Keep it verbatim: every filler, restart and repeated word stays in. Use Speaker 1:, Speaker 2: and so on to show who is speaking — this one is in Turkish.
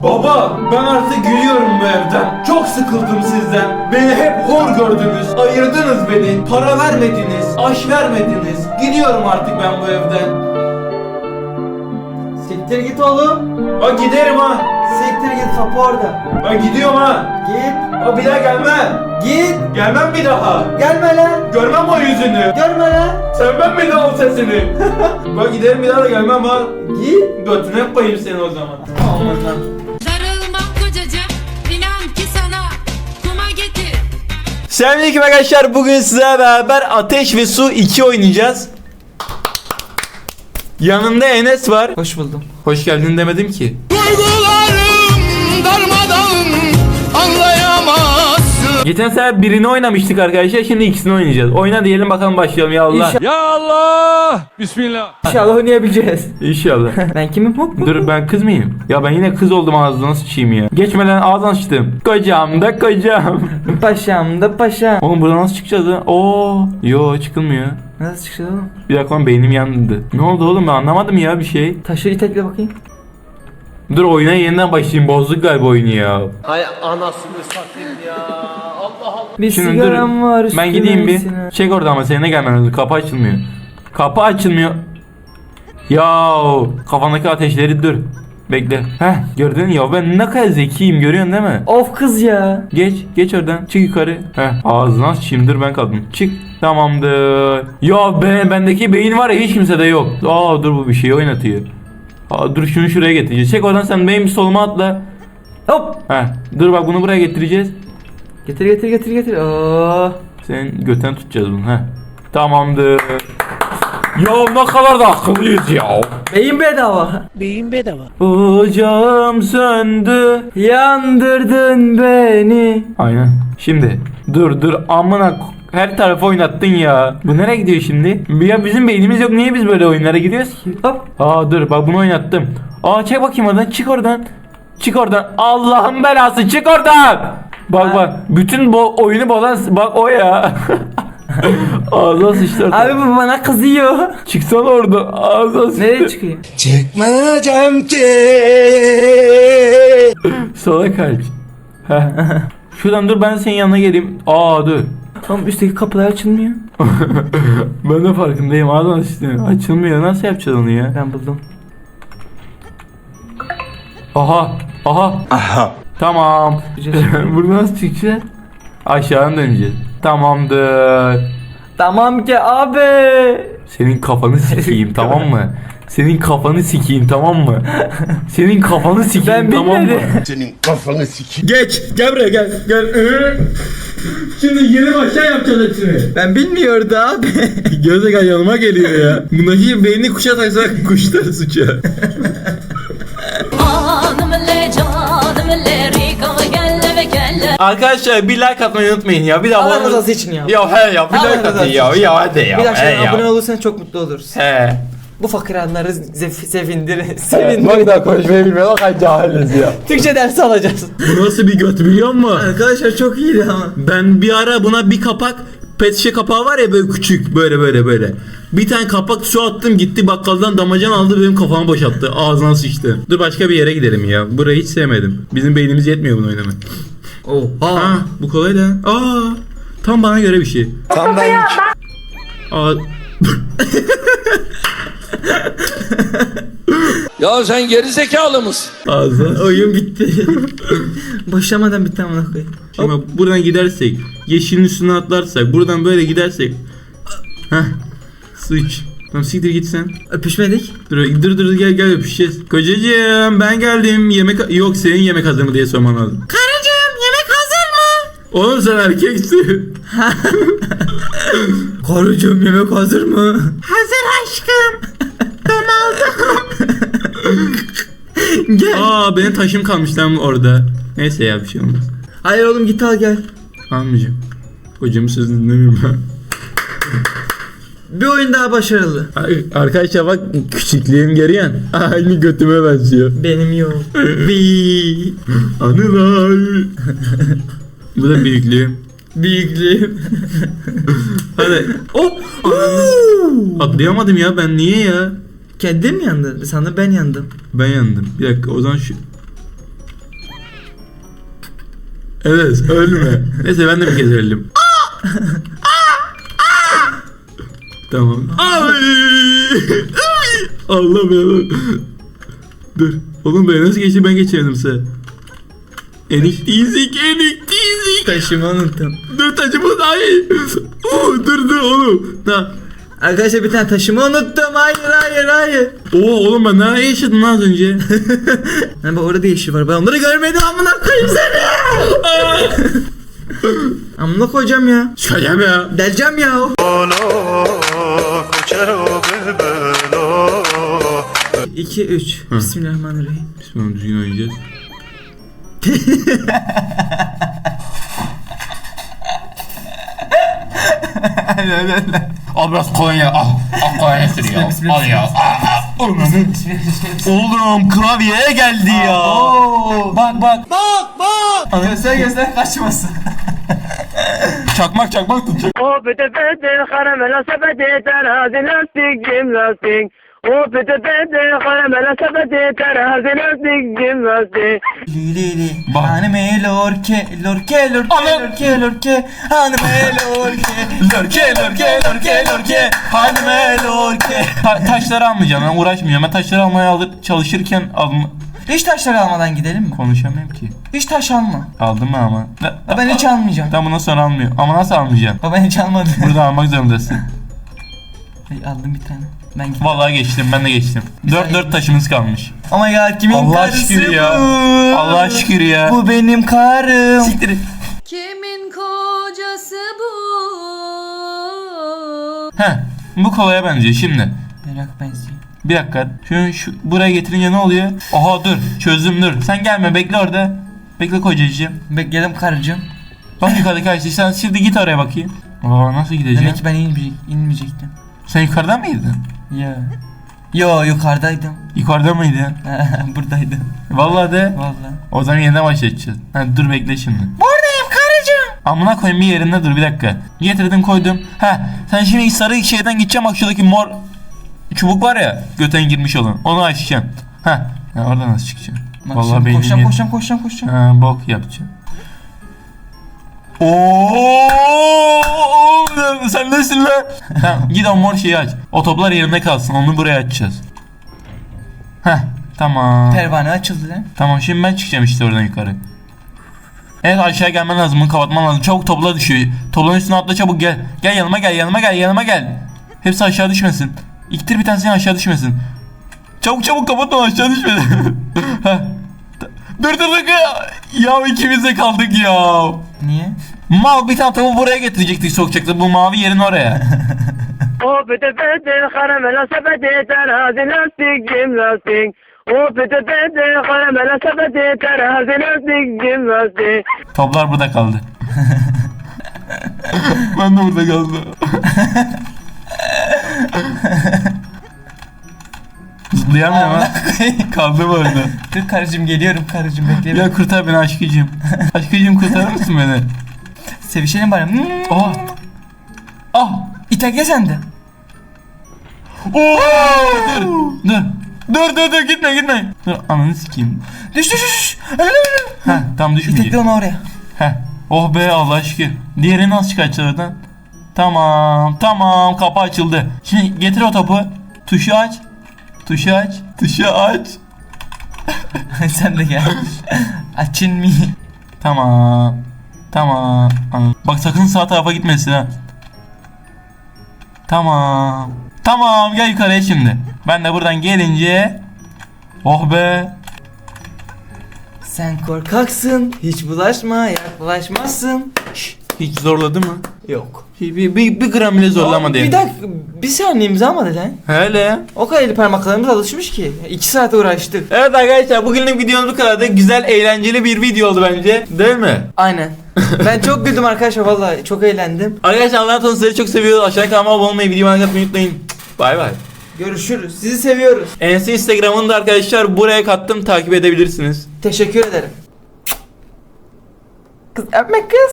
Speaker 1: Baba, ben artık gidiyorum bu evden. Çok sıkıldım sizden. Beni hep hor gördünüz. Ayırdınız beni. Para vermediniz. Aş vermediniz. Gidiyorum artık ben bu evden.
Speaker 2: Siktir git oğlum.
Speaker 1: Ha giderim ha.
Speaker 2: Siktir git, kapı orada.
Speaker 1: Ben gidiyorum ha.
Speaker 2: Git.
Speaker 1: Ha bir daha gelmem.
Speaker 2: Git.
Speaker 1: Gelmem bir daha.
Speaker 2: Gelme lan.
Speaker 1: Görmem o yüzünü.
Speaker 2: Görme lan.
Speaker 1: Sevmem bir daha o sesini. Ben giderim bir daha da gelmem ha.
Speaker 2: Git.
Speaker 1: Götüne koyayım seni o zaman. Aman lan.
Speaker 3: Darılmam kocacığım, inan ki sana kuma getir.
Speaker 1: Selamünaleyküm arkadaşlar. Bugün sizlerle beraber Ateş ve Su iki oynayacağız. Yanımda Enes var.
Speaker 2: Hoş buldum.
Speaker 1: Hoş geldin demedim ki.
Speaker 4: Duygularım darmadağın, anlayamazsın.
Speaker 1: Geçen sefer birini oynamıştık arkadaşlar. Şimdi ikisini oynayacağız. Oyna diyelim bakalım, başlayalım ya Allah.
Speaker 2: İnşallah,
Speaker 4: Ya Allah, Bismillah.
Speaker 2: inşallah oynayabileceğiz.
Speaker 1: İnşallah.
Speaker 2: Ben kimim? Hop hop.
Speaker 1: Dur, ben kız mıyım? Ya ben yine kız oldum, ağzına sıçayım ya. Geçmeden ağzına sıçtım. Kocam da kocam.
Speaker 2: Paşam da paşam.
Speaker 1: Oğlum buradan nasıl çıkacağız lan? Oo. Yo, çıkılmıyor.
Speaker 2: Nasıl çıkacağız oğlum?
Speaker 1: Bir dakika lan, beynim yandı. Ne oldu oğlum, ben anlamadım ya bir şey.
Speaker 2: Taşı itekle bakayım.
Speaker 1: Dur, oyuna yeniden başlayayım, bozduk galiba oyunu ya.
Speaker 2: Bir
Speaker 1: Şimdi dur,
Speaker 2: sigaram var.
Speaker 1: ben gideyim bir.
Speaker 2: üstüne.
Speaker 1: Çek orada ama senin de gelmen lazım. Kapı açılmıyor. Kapı açılmıyor. Ya kafandaki ateşleri dur. Bekle. Heh, gördün ya, ben ne kadar zekiyim, görüyorsun değil mi?
Speaker 2: Of kız ya.
Speaker 1: Geç, geç oradan. Çık yukarı. Heh, ağzına sıçayım, dur ben kaldım. Çık. Tamamdır. Ya be, bendeki beyin var ya, hiç kimsede yok. Aa dur, bu bir şey oynatıyor. Aa dur, şunu şuraya getireceğiz. Çek oradan sen, benim bir soluma atla.
Speaker 2: Hop.
Speaker 1: Heh, dur bak, bunu buraya getireceğiz.
Speaker 2: Getir getir getir getir. Oo.
Speaker 1: Senin göten tutacağız bunu. Heh. Tamamdır. Ya ne kadar da akıllıyız ya.
Speaker 2: Beyin bedava.
Speaker 1: Ocağım söndü.
Speaker 2: Yandırdın beni.
Speaker 1: Aynen. Şimdi dur dur, amına k- her tarafı oynattın ya. Bu nereye gidiyor şimdi? Ya bizim beynimiz yok, niye biz böyle oyunlara gidiyoruz ki?
Speaker 2: Hop.
Speaker 1: Aa dur bak, bunu oynattım. Aa çek bakayım oradan, çık oradan. Çık oradan. Allah'ın belası, çık oradan. Bak bak, bütün bu oyunu bozan bak o ya. Ağzına sıçtı orada.
Speaker 2: Abi bu bana kızıyor.
Speaker 1: Çıksana oradan, ağzına sıçtı.
Speaker 2: Nereye çıkayım?
Speaker 4: Çekmeyeceğim ki.
Speaker 1: Sola kaç. Heh. Şuradan dur, ben senin yanına geleyim. Aa dur.
Speaker 2: Oğlum üstteki kapılar açılmıyor.
Speaker 1: Ben de farkındayım, ağzına sıçtı. Açılmıyor, nasıl yapacağız onu ya?
Speaker 2: Ben buldum.
Speaker 1: Aha. Aha.
Speaker 4: Aha.
Speaker 1: Tamam. Buradan nasıl çıkacağız? Aşağı döneceğiz. Tamamdır.
Speaker 2: Tamam ki abi.
Speaker 1: Senin kafanı sikeyim, tamam mı? Senin kafanı sikeyim, tamam mı? Senin kafanı sikeyim,
Speaker 2: Ben
Speaker 1: tamam mı?
Speaker 2: bilmedim.
Speaker 4: Senin kafanı sikeyim.
Speaker 1: Geç, gel buraya, gel, gel. Şimdi yeni başa yapacağız hepsini.
Speaker 2: Ben bilmiyordu abi.
Speaker 1: Gözde yanıma geliyor ya. Bundaki beynini kuşa taksak kuşlar suça.
Speaker 3: Canım le canım le rika gelle ve gelle.
Speaker 1: Arkadaşlar bir like atmayı unutmayın ya. Bir daha
Speaker 2: Allah
Speaker 1: bana-
Speaker 2: rızası için ya.
Speaker 1: Ya he ya, bir
Speaker 2: Allah
Speaker 1: like
Speaker 2: rızası
Speaker 1: atın ya.
Speaker 2: için.
Speaker 1: Ya hadi ya.
Speaker 2: Bir dakika
Speaker 1: he ya.
Speaker 2: abone olursan çok mutlu oluruz.
Speaker 1: He.
Speaker 2: Bu fakirhanları zef- sevindir.
Speaker 1: Bak
Speaker 2: Sevindir.
Speaker 1: daha konuşmayı bilmiyor, o kadar cahiliz ya.
Speaker 2: Türkçe dersi alacağız.
Speaker 1: Bu nasıl bir göt biliyor musun?
Speaker 2: Arkadaşlar çok iyiydi ama.
Speaker 1: Ben bir ara buna bir kapak, pet şişe kapağı var ya, böyle küçük, böyle böyle böyle. Bir tane kapak su attım, gitti bakkaldan damacan aldı, benim kafamı boşalttı. Ağzına sıçtı. Dur başka bir yere gidelim ya. Burayı hiç sevmedim. Bizim beynimiz yetmiyor bunu oynamaya.
Speaker 2: Oha.
Speaker 1: Aa bu kolay da. Aa tam bana göre bir şey.
Speaker 4: Tam benlik.
Speaker 1: Aa
Speaker 4: Ya sen geri zekalı mısın?
Speaker 1: ağzına.
Speaker 2: Oyun bitti. Başlamadan bitti amına koyayım.
Speaker 1: Şimdi bak, buradan gidersek, yeşilin üstüne atlarsak, buradan böyle gidersek. Heh. Sıç. Tamam siktir git sen.
Speaker 2: Öpüşmedik.
Speaker 1: Dur dur dur, gel gel öpüşeceğiz. Kocacığım ben geldim. Yemek yok, senin yemek hazır mı diye sorman lazım.
Speaker 3: Karıcığım yemek hazır mı?
Speaker 1: Oğlum sen erkeksin.
Speaker 2: Karıcığım yemek hazır mı?
Speaker 3: Hazır aşkım.
Speaker 2: Gel.
Speaker 1: Aa benim taşım kalmış lan orada. Neyse ya, bir şey olmaz.
Speaker 2: Hayır oğlum git al gel.
Speaker 1: Almayacağım. Kocamın sözünü dinlemiyorum ben.
Speaker 2: Bir oyun daha başarılı.
Speaker 1: Ay, arkadaşlar bak, küçüklüğüm görüyorsun. Aynı götüme benziyor.
Speaker 2: Benim yok.
Speaker 1: Bi anılar. Bu da büyüklüğüm.
Speaker 2: Büyüklüğüm.
Speaker 1: Hadi.
Speaker 2: Oh.
Speaker 1: Atlayamadım ya, ben niye ya?
Speaker 2: Kendin mi yandın? Sandım ben yandım.
Speaker 1: Ben yandım. Bir dakika, o zaman şu. Evet ölme. Neyse ben de bir kez öldüm. Tamam. Ay! Allah'ım ya. Dur. Oğlum ben nasıl geçti ben geçemedim size. Enik dizik enik dizik.
Speaker 2: Taşımı unuttum.
Speaker 1: Dur taşımı ay. Oo, dur dur oğlum. Ha.
Speaker 2: Arkadaşlar bir tane taşımı unuttum. Hayır hayır hayır.
Speaker 1: Oo oğlum ben nereye yaşadım lan az önce?
Speaker 2: Hani bak orada yeşil var. Ben onları görmedim. Amına koyayım seni. Amına koyacağım ya.
Speaker 1: Çıkacağım ya.
Speaker 2: Deleceğim ya. iki üç. Bismillahirrahmanirrahim.
Speaker 1: Bismillah düzgün oynayacağız. Al biraz kolonya al. Al kolonya sür ya. Al ya. Oğlum klavyeye geldi ya. Bak bak.
Speaker 2: Göster göster kaçmasın.
Speaker 1: Çakmak çakmak tutacak.
Speaker 5: O pete pete karamela sepeti terazi lastik cim lastik. O pete pete karamela sepeti terazi lastik cim lastik.
Speaker 2: Lili
Speaker 1: Bak.
Speaker 2: hanime lorke lorke lorke
Speaker 1: Ana.
Speaker 2: lorke lorke hanime lorke lorke lorke lorke lorke hanime lorke.
Speaker 1: Ta- taşları almayacağım ben uğraşmayacağım. Ben taşları almaya alıp çalışırken alma...
Speaker 2: Hiç taşları almadan gidelim mi?
Speaker 1: Konuşamıyorum ki.
Speaker 2: Hiç taş alma.
Speaker 1: Aldım mı ama?
Speaker 2: Ya ben hiç almayacağım.
Speaker 1: Tam bundan sonra almıyor. Ama nasıl almayacaksın?
Speaker 2: Baba ben hiç almadım.
Speaker 1: Burada almak zorundasın.
Speaker 2: Hey, aldım bir tane. Ben gittim.
Speaker 1: Vallahi geçtim ben de geçtim. Dört
Speaker 2: Güzel.
Speaker 1: dört taşımız kalmış.
Speaker 2: Ama ya kimin
Speaker 1: Allah
Speaker 2: karısı
Speaker 1: şükür
Speaker 2: bu?
Speaker 1: ya. Allah şükür ya.
Speaker 2: Bu benim karım.
Speaker 1: Siktir.
Speaker 3: Kimin kocası bu?
Speaker 1: Heh, bu kolaya benziyor şimdi.
Speaker 2: Merak benziyor.
Speaker 1: Bir dakika. Şu, şu buraya getirince ne oluyor? Oha dur. Çözdüm dur. Sen gelme bekle orada. Bekle kocacığım.
Speaker 2: Bekledim karıcığım.
Speaker 1: Bak yukarıdaki ağaçta. Sen şimdi git oraya bakayım. Aa nasıl gideceğim?
Speaker 2: Demek ki ben inmeyecek, inmeyecektim.
Speaker 1: Sen yukarıda mıydın?
Speaker 2: Ya. Yo yukarıdaydım.
Speaker 1: Yukarıda mıydın?
Speaker 2: Buradaydım.
Speaker 1: Vallahi de.
Speaker 2: Vallahi.
Speaker 1: O zaman yeniden başlayacağız. Ha, dur bekle şimdi.
Speaker 2: Buradayım karıcığım.
Speaker 1: Amına koyayım bir yerinde dur bir dakika. Getirdim koydum. Ha sen şimdi sarı şeyden gideceğim bak şuradaki mor çubuk var ya göten girmiş olan. Onu açacaksın. Ha. Ya oradan nasıl çıkacaksın?
Speaker 2: Bak
Speaker 1: Vallahi
Speaker 2: şimdi
Speaker 1: beynim
Speaker 2: koşacağım,
Speaker 1: yet-
Speaker 2: koşacağım koşacağım koşacağım.
Speaker 1: Ha bok yapacağım. Oo, sen nesin lan? Tamam git o mor şeyi aç. O toplar yerinde kalsın. Onu buraya açacağız. Heh tamam.
Speaker 2: Pervane açıldı lan.
Speaker 1: Tamam şimdi ben çıkacağım işte oradan yukarı. Evet aşağı gelmen lazım. Bunu kapatman lazım. Çabuk topla düşüyor. Topların üstüne atla çabuk gel. Gel yanıma gel yanıma gel yanıma gel. Hepsi aşağı düşmesin. İktir bir tanesini aşağı düşmesin. Çabuk çabuk kapatma aşağı düşmesin. Heh. Dur dur dur. Ya ikimiz de kaldık ya.
Speaker 2: Niye?
Speaker 1: Mal bir tane tavuğu buraya getirecektik sokacaktı. Bu mavi yerin oraya.
Speaker 5: O pete pete karamela sepeti terazi lastik cim lastik. O pete pete karamela sepeti terazi lastik cim lastik.
Speaker 1: Toplar burada kaldı. Ben de burada kaldım. Zıplayamıyorum ha. Kaldım orada.
Speaker 2: Dur karıcığım geliyorum karıcığım bekle.
Speaker 1: Ya kurtar beni aşkıcığım. Aşkıcığım kurtarır mısın beni?
Speaker 2: Sevişelim bari. Hmm.
Speaker 1: Oh. Ah.
Speaker 2: İtekle sen de.
Speaker 1: Oo. Dur. Dur. Dur dur dur gitme gitme. Dur ananı sikeyim.
Speaker 2: Düş düş düş. Öyle öyle.
Speaker 1: Heh tam
Speaker 2: İtekle
Speaker 1: düşmeyecek.
Speaker 2: onu oraya.
Speaker 1: Heh. Oh be Allah şükür. Diğerini nasıl çıkartacağız oradan? Tamam tamam kapı açıldı. Şimdi getir o topu. Tuşu aç. Tuşu aç. Tuşu aç.
Speaker 2: Sen de gel. Açın mı?
Speaker 1: Tamam. Tamam. Anladım. Bak sakın sağ tarafa gitmesin ha. Tamam. Tamam gel yukarıya şimdi. Ben de buradan gelince. Oh be.
Speaker 2: Sen korkaksın. Hiç bulaşma yaklaşmazsın.
Speaker 1: Hiç zorladı mı?
Speaker 2: Yok.
Speaker 1: Bir, bir, bir, bir gram bile zorlamadı
Speaker 2: Bir
Speaker 1: yani.
Speaker 2: dakika bir saniye imza almadı lan.
Speaker 1: Hele.
Speaker 2: O kadar eli parmaklarımız alışmış ki. iki saat uğraştık.
Speaker 1: Evet arkadaşlar bugünlük videomuz bu kadardı. Güzel eğlenceli bir video oldu bence. Değil mi?
Speaker 2: Aynen. Ben çok güldüm arkadaşlar vallahi çok eğlendim.
Speaker 1: Arkadaşlar Allah'ın tanrı sizleri çok seviyoruz. Aşağıya kanalıma abone olmayı, videomu atmayı unutmayın. Bay bay.
Speaker 2: Görüşürüz. Sizi seviyoruz.
Speaker 1: Enes'in Instagram'ını da arkadaşlar buraya kattım. Takip edebilirsiniz.
Speaker 2: Teşekkür ederim. Kız öpme kız.